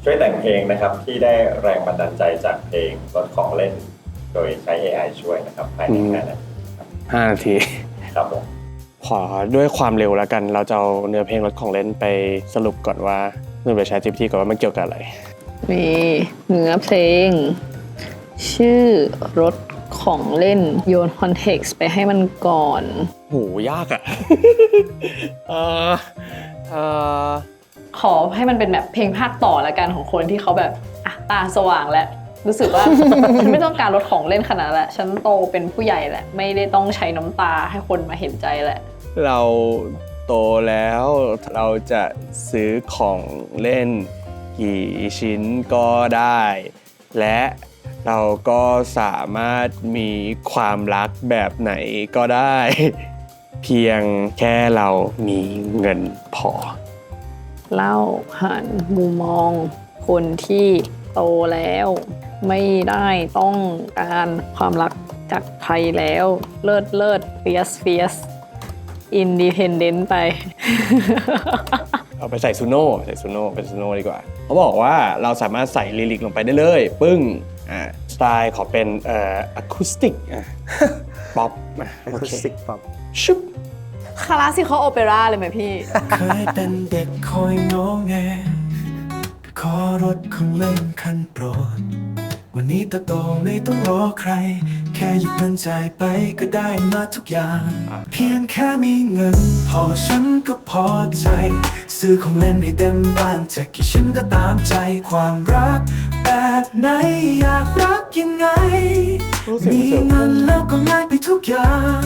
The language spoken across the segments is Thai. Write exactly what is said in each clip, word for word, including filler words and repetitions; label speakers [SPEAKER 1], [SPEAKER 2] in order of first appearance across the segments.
[SPEAKER 1] ช่วยแต่งเพลงนะครับที่ได้แรงบันดาลใจจากเพลงรถของเล่นโดยใช้ เอ ไอ ช่วยนะครับภายในห้านาที
[SPEAKER 2] ห้านาที
[SPEAKER 1] ครับผม
[SPEAKER 2] ขอด้วยความเร็วแล้วกันเราจะเอาเนื้อเพลงรถของเล่นไปสรุปก่อนว่าเนื้อไปใช้ จี พี ที ก่อนว่ามันเกี่ยวกับอะไร
[SPEAKER 3] มีเนื้อเพลงชื่อรถของเล่นโยนคอนเท็กซ์ไปให้มันก่อน
[SPEAKER 2] โหยากอ่ะ เออเออ
[SPEAKER 3] ขอให้มันเป็นแบบเพลงภาคต่อละกันของคนที่เขาแบบอ่ะตาสว่างแล้วรู้สึกว่า ฉันไม่ต้องการรถของเล่นขนาดนั้นแหละฉันโตเป็นผู้ใหญ่แหละไม่ได้ต้องใช้น้ำตาให้คนมาเห็นใจแหละ
[SPEAKER 2] เราโตแล้วเราจะซื้อของเล่นกี่ชิ้นก็ได้และเราก็สามารถมีความรักแบบไหนก็ได้เพียงแค่เรามีเงินพอ
[SPEAKER 3] เล่าผ่านมุมมองคนที่โตแล้วไม่ได้ต้องการความรักจากใครแล้วเลิศเลิศเฟียสเฟียสอินดิเพนเดนต์ไป
[SPEAKER 2] เอาไปใส่ซูโน่ใส่ซูโน่เป็นซูโน่ดีกว่าเขาบอกว่าเราสามารถใส่ลิลิกลงไปได้เลยปึ้งอ่าสไตล์ขอเป็นเอ่ออะคูสติกอ่ะป๊อป
[SPEAKER 4] อะคูสติกป๊อป
[SPEAKER 2] ชุบ
[SPEAKER 3] คลาสสิคอลโอเปร่าเลยไหมพี่
[SPEAKER 5] เคยเป็นเด็กคอยงอแงขอรถของเล่นคันโปรดวันนี้ตาโตไม่ต้องรอใครแค่หยิบเงินจ่ายไปก็ได้มาทุกอย่างเพียงแค่มีเงินพอฉันก็พอใจซื้อของเล่นให้เต็มบ้านจะกี่ชิ้นก็ตามใจความรักแบบไหนอยากรักยังไงมีเงินแล้วก็ง่ายไปทุกอย่าง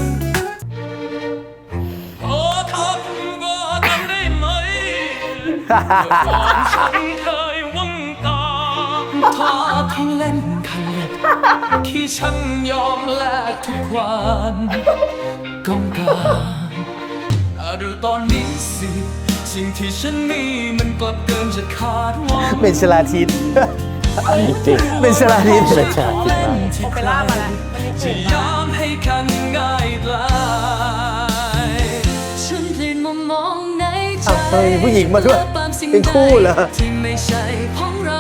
[SPEAKER 5] ขอทำก็ทำได้ไหมฉันเคยหวังตาพอทั้งเล่นคันเล็กที่ฉันยอมแลกทุกวันต้องการดูตอนนี้สิสิ่งที่ฉันมีมันกลับเกินจะคาดหวัง
[SPEAKER 4] เป็นชลาทิศ
[SPEAKER 2] จริง
[SPEAKER 4] เป็นชลาทิศ
[SPEAKER 2] เป็นชลาทิศ
[SPEAKER 3] โอเปร่ามาแล้ว
[SPEAKER 5] จะยอมให้กันง่ายดายฉันเปลี่ยนมุมมองในใจ
[SPEAKER 4] เฮ้ยผู้หญิงมาด้วยเป็นคู่เหรอ
[SPEAKER 5] ที่ไม่ใช่ของเรา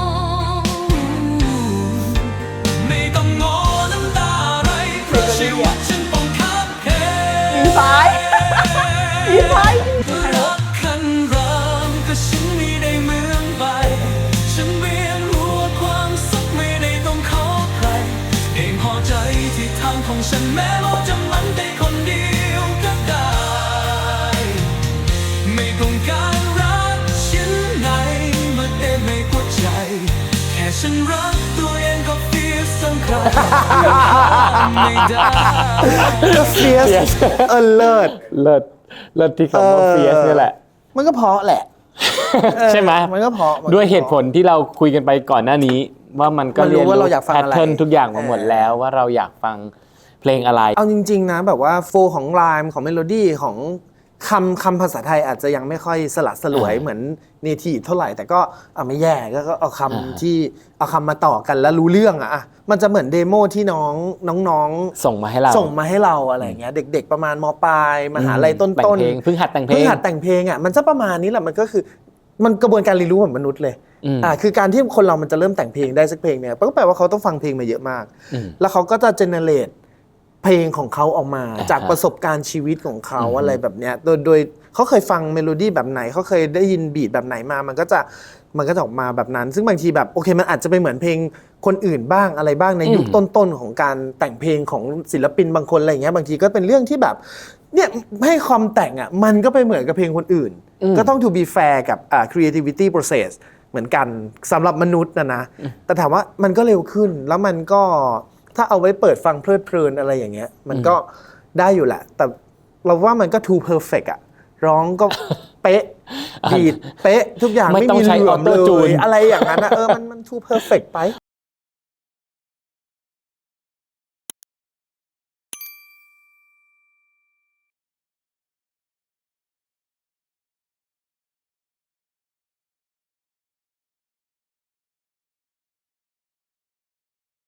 [SPEAKER 5] ไม่ต้องงอน้ำตาไหลเพราะชีวิตฉันต้องคับแค้น
[SPEAKER 3] ยิ้มซ้ายยิ้มซ้าย
[SPEAKER 5] รักคันรามก็ฉันไม่ได้เหมือนไปฉันเวียนหัวความสุขไม่ได้ต้องขอใครเองพอใจที่ทางของฉันแม้เราจะมันได้คนเดียวก็ได้ไม่ต้องการรักชิ้นไหนมาเต็มในหัวใจแค่ฉันรักตัวเองก็เฟียสสำคัญไม่ได้
[SPEAKER 4] เฟียสเออเลิศ
[SPEAKER 2] เลิศเลิศที่คำว่าเฟียสนี่แหละ
[SPEAKER 4] มันก็เพราะแหละ
[SPEAKER 2] ใช่ไหม
[SPEAKER 4] มันก็เพราะ
[SPEAKER 2] ด้วยเหตุผลที่เราคุยกันไปก่อนหน้านี้ว่ามันก็เรียนรู้แพทเทิร์นทุกอย่างมาหมดแล้วว่าเราอยากฟังเพลงอะไร
[SPEAKER 4] เอาจริงๆนะแบบว่าโฟของไลม์ของเมโลดี้ของคำคำภาษาไทยอาจจะยังไม่ค่อยสลัดสลวยเหมือนเนทีฟเท่าไหร่แต่ก็เอาไม่แย่ก็เอาคำที่เอาคำมาต่อกันแล้วรู้เรื่องอะมันจะเหมือนเดโมที่น้องน้อง
[SPEAKER 2] ๆส่งมาให้เรา
[SPEAKER 4] ส่งมาให้เราอะไรเงี้ยเด็กๆประมาณม.ปลายมหาลัยต้น
[SPEAKER 2] ต้นเพิ่งหัดแต่งเพลง
[SPEAKER 4] เพิ่งหัดแต่งเพลงอะมันจะประมาณนี้แหละมันก็คือมันกระบวนการเรียนรู้เหมือนมนุษย์เลยอ่าคือการที่คนเรามันจะเริ่มแต่งเพลงได้สักเพลงเนี่ยก็แปลว่าเขาต้องฟังเพลงมาเยอะมากแล้วเขาก็จะเจเนเรตเพลงของเขาออกมาจากประสบการณ์ชีวิตของเขาอะไรแบบเนี้ยโดยโดยเขาเคยฟังเมโลดี้แบบไหนเขาเคยได้ยินบีทแบบไหนมามันก็จะมันก็จะออกมาแบบนั้นซึ่งบางทีแบบโอเคมันอาจจะไปเหมือนเพลงคนอื่นบ้างอะไรบ้างในยุคต้นๆของการแต่งเพลงของศิลปินบางคนอะไรอย่างเงี้ยบางทีก็เป็นเรื่องที่แบบเนี่ยให้ความแต่งอ่ะมันก็ไปเหมือนกับเพลงคนอื่นก็ต้อง to be fair กับอ่า creativity process เหมือนกันสำหรับมนุษย์นะนะแต่ถามว่ามันก็เร็วขึ้นแล้วมันก็ถ้าเอาไว้เปิดฟังเพลิดเพลินอะไรอย่างเงี้ยมันก็ได้อยู่แหละแต่เราว่ามันก็ too perfect อ่ะร้องก็เป๊ะบีทเป๊ะทุกอย่างไม่มีเหลื่อมเลยอะไรอย่างนั้นนะเออมันมัน too perfect ไป